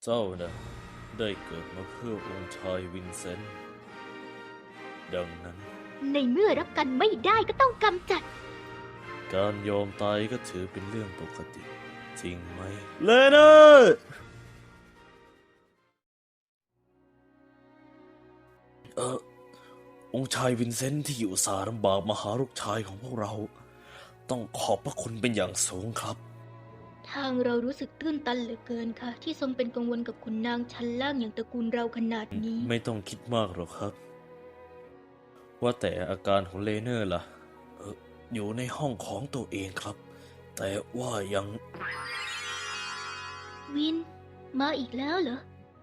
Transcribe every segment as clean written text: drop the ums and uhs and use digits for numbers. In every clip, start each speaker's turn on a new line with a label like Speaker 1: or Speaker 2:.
Speaker 1: เจ้านะได้เกิดมาเพื่อองค์ชายวินเซนต์ดังนั้น
Speaker 2: ในเมื่อรับกันไม่ได้ก็ต้องกำจัด
Speaker 1: การยอมตายก็ถือเป็นเรื่องปกติจริงไหมเลเนอร์องค์ชายวินเซนต์ที่อยู่สาลำบากมาหาลูกชายของพวกเราต้องขอบพระคุณเป็นอย่างสูงครับ
Speaker 2: ทางเรารู้สึกตื้นตันเหลือเกินค่ะที่ทรงเป็นกังวลกับขุนนางชั้นล่างอย่างตระกูลเราขนาดนี้
Speaker 1: ไม่ต้องคิดมากหรอกครับว่าแต่อาการของเลเนอร์ล่ะอยู่ในห้องของตัวเองครับแต่ว่ายัง
Speaker 2: วินมาอีกแล้วเหรอ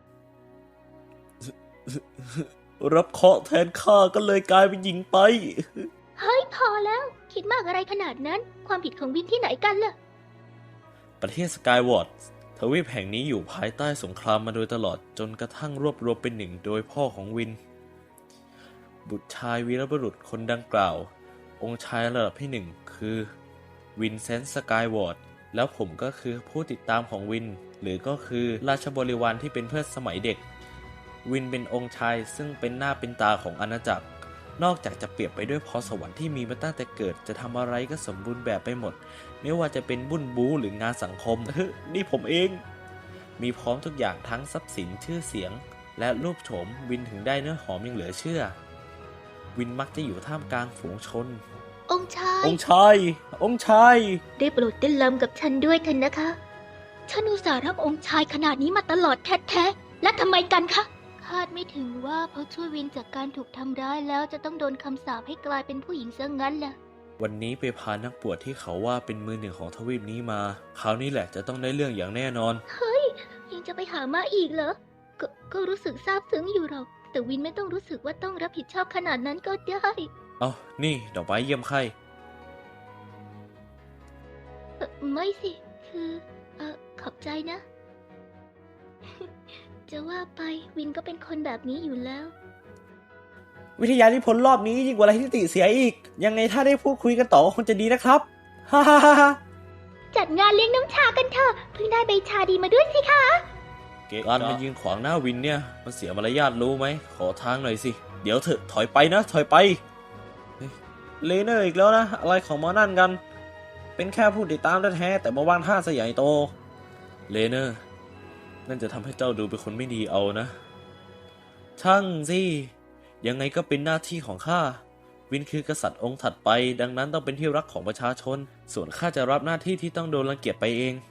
Speaker 1: รับเคราะห์แทนข้าก็เลยกลายเป็นหญิงไป
Speaker 2: เฮ้ยพอแล้วคิดมากอะไรขนาดนั้นความผิดของวินที่ไหนกันล่ะ
Speaker 1: ประเทศสกายวอร์ดทวีปแห่งนี้อยู่ภายใต้สงครามมาโดยตลอดจนกระทั่งรวบรวมเป็นหนึ่งโดยพ่อของวินบุตรชายวีรบุรุษคนดังกล่าวองค์ชายระดับที่หนึ่งคือวินเซนต์สกายวอร์ดแล้วผมก็คือผู้ติดตามของวินหรือก็คือราชบริวารที่เป็นเพื่อนสมัยเด็กวินเป็นองค์ชายซึ่งเป็นหน้าเป็นตาของอาณาจักรนอกจากจะเปรียบไปด้วยพรสวรรค์ที่มีมาตั้งแต่เกิดจะทำอะไรก็สมบูรณ์แบบไปหมดไม่ว่าจะเป็นบุญบูหรืองานสังคม นี่ผมเองมีพร้อมทุกอย่างทั้งทรัพย์สินชื่อเสียงและรูปโฉมวินถึงได้เนื้อหอมยังเหลือเชื่อวินมักจะอยู่ท่ามกลางฝูงชน
Speaker 2: องค์ชาย
Speaker 1: องค์ชาย
Speaker 2: ได้โปรดเต้นรำกับฉันด้วยเถอะนะคะฉันอุตส่าห์รักองค์ชายขนาดนี้มาตลอดแท้ๆและทำไมกันคะคาดไม่ถึงว่าเพราะช่วยวินจากการถูกทำร้ายแล้วจะต้องโดนคำสาปให้กลายเป็นผู้หญิงซะงั้นล่ะ
Speaker 1: วันนี้ไปพานักบวชที่เขาว่าเป็นมือหนึ่งของทวีปนี้มาคราวนี้แหละจะต้องได้เรื่องอย่างแน่นอน
Speaker 2: เฮ้ยยังจะไปหามาอีกเหรอก็รู้สึกซาบซึ้งอยู่หรอกแต่วินไม่ต้องรู้สึกว่าต้องรับผิดชอบขนาดนั้นก็ได้
Speaker 1: เอานี่ดอกไม้เยี่ยมไข้
Speaker 2: ไม่สิคือขอบใจนะ จะว่าไปวินก็เป็นคนแบบนี้อยู่แล้ว
Speaker 3: วิทยานิพนธ์รอบนี้ยิ่งกว่าอะไรที่ติเสียอีกยังไงถ้าได้พูดคุยกันต่อคงจะดีนะครับฮ่าฮ่าฮ่า
Speaker 2: จัดงานเลี้ยงน้ำชากันเถอะเพิ่งได้ใบชาดีมาด้วยสิคะ
Speaker 1: เกการมายืนขวางหน้าวินเนี่ยมันเสียมารยาทรู้ไหมขอทางหน่อยสิเดี๋ยวเถอะถอยไปนะถอยไป
Speaker 3: เลเนอร์อีกแล้วนะอะไรของหมอนั่นกันเป็นแค่ผู้ติดตามแท้ๆแต่มาวางท่าซะใหญ่โต
Speaker 1: เลเนอร์นั่นจะทำให้เจ้าดูเป็นคนไม่ดีเอานะช่างสิยังไงก็เป็นหน้าที่ของข้าวินคือกษัตริย์องค์ถัดไปดังนั้นต้องเป็นที่รักของประชาชนส่วนข้าจะรับหน้าที่ที่ต้องโดนรังเกียจไปเอง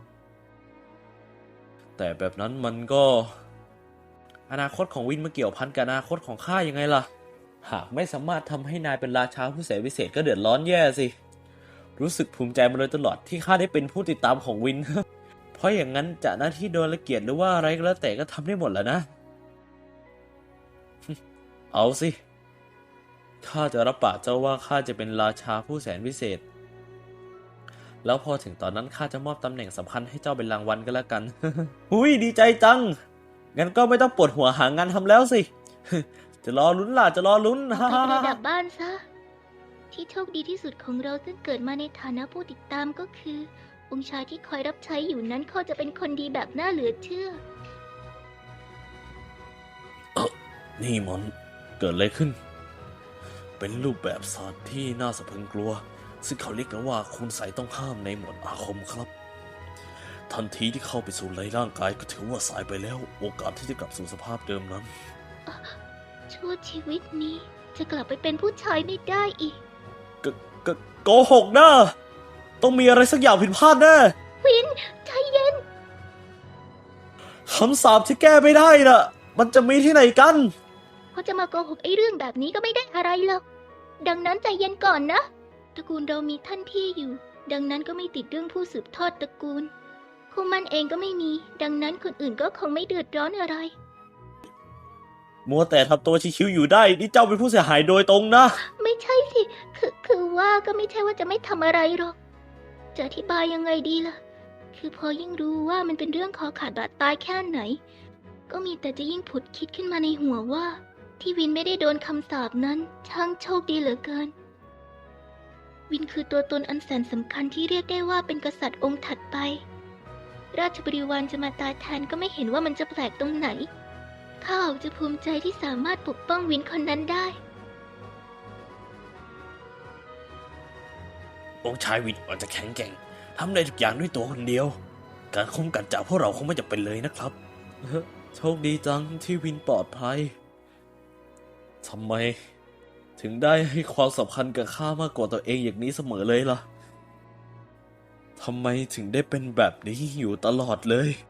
Speaker 1: แต่แบบนั้นมันก็อนาคตของวินมาเกี่ยวพันกับอนาคตของข้ายังไงล่ะหากไม่สามารถทำให้นายเป็นราชาผู้แสนวิเศษก็เดือดร้อนแย่สิรู้สึกภูมิใจมาโดยตลอดที่ข้าได้เป็นผู้ติดตามของวิน เพราะอย่างนั้นจะหน้าที่โดนรังเกียจหรือว่าอะไรก็แล้วแต่ก็ทำได้หมดแหละนะ เอาสิข้าจะรับปากเจ้าว่าข้าจะเป็นราชาผู้แสนวิเศษแล้วพอถึงตอนนั้นข้าจะมอบตำแหน่งสำคัญให้เจ้าเป็นรางวัลก็แล้วกัน
Speaker 3: หุยดีใจจังงั้นก็ไม่ต้องปวดหัวหางานทำแล้วสิ จะรอลุ้นล่ะจะรอลุ้น
Speaker 2: ไปประดับบ้านซะที่โชคดีที่สุดของเราซึ่งเกิดมาในฐานะผู้ติดตามก็คือองค์ชายที่คอยรับใช้อยู่นั้นเขาจะเป็นคนดีแบบน่าเหลือเชื่อ
Speaker 1: นี่มันเกิดอะไรขึ้นเป็นรูปแบบศาสตร์ที่น่าสะพรึงกลัวซึ่งเขาเรียกกันว่าคุณไสยต้องห้ามในหมวดอาคมครับทันทีที่เข้าไปสู่ในร่างกายก็ถือว่าสายไปแล้วโอกาสที่จะกลับสู่สภาพเดิมนั้น
Speaker 2: ชั่วชีวิตนี้จะกลับไปเป็นผู้ชายไม่ได้อีก
Speaker 3: โกหกนะต้องมีอะไรสักอย่างผิดพลาดแน่
Speaker 2: วินใจเย็น
Speaker 3: คำสาปที่แก้ไม่ได้น่ะมันจะมีที่ไหนกัน
Speaker 2: เขาจะมาโกหกไอ้เรื่องแบบนี้ก็ไม่ได้อะไรหรอกดังนั้นใจเย็นก่อนนะตระกูลเรามีท่านพี่อยู่ดังนั้นก็ไม่ติดเรื่องผู้สืบทอดตระกูลคู่มั่นเองก็ไม่มีดังนั้นคนอื่นก็คงไม่เดือดร้อนอะไร
Speaker 3: มัวแต่ทำตัวชิวๆอยู่ได้นี่เจ้าเป็นผู้เสียหายโดยตรงนะ
Speaker 2: ไม่ใช่สิคือว่าก็ไม่ใช่ว่าจะไม่ทำอะไรหรอกจะอธิบายยังไงดีล่ะคือพอยิ่งรู้ว่ามันเป็นเรื่องคอขาดบาดตายแค่ไหนก็มีแต่จะยิ่งผุดคิดขึ้นมาในหัวว่าที่วินไม่ได้โดนคำสาปนั้นช่างโชคดีเหลือเกินวินคือตัวตนอันแสนสำคัญที่เรียกได้ว่าเป็นกษัตริย์องค์ถัดไปราชบริวารจะมาตายแทนก็ไม่เห็นว่ามันจะแปลกตรงไหนข้าออกจะภูมิใจที่สามารถปกป้องวินคนนั้นได้
Speaker 1: องค์ชายวินอาจจะแข็งแกร่งทำได้ทุกอย่างด้วยตัวคนเดียว การคุ้มกันจากพวกเราคงไม่จำเป็นเลยนะครับ
Speaker 3: โชคดีจังที่วินปลอดภัย ทำไม ถึงได้ให้ความสำคัญกับข้ามากกว่าตัวเองอย่างนี้เสมอเลยล่ะ ทำไมถึงได้เป็นแบบนี้อยู่ตลอดเลย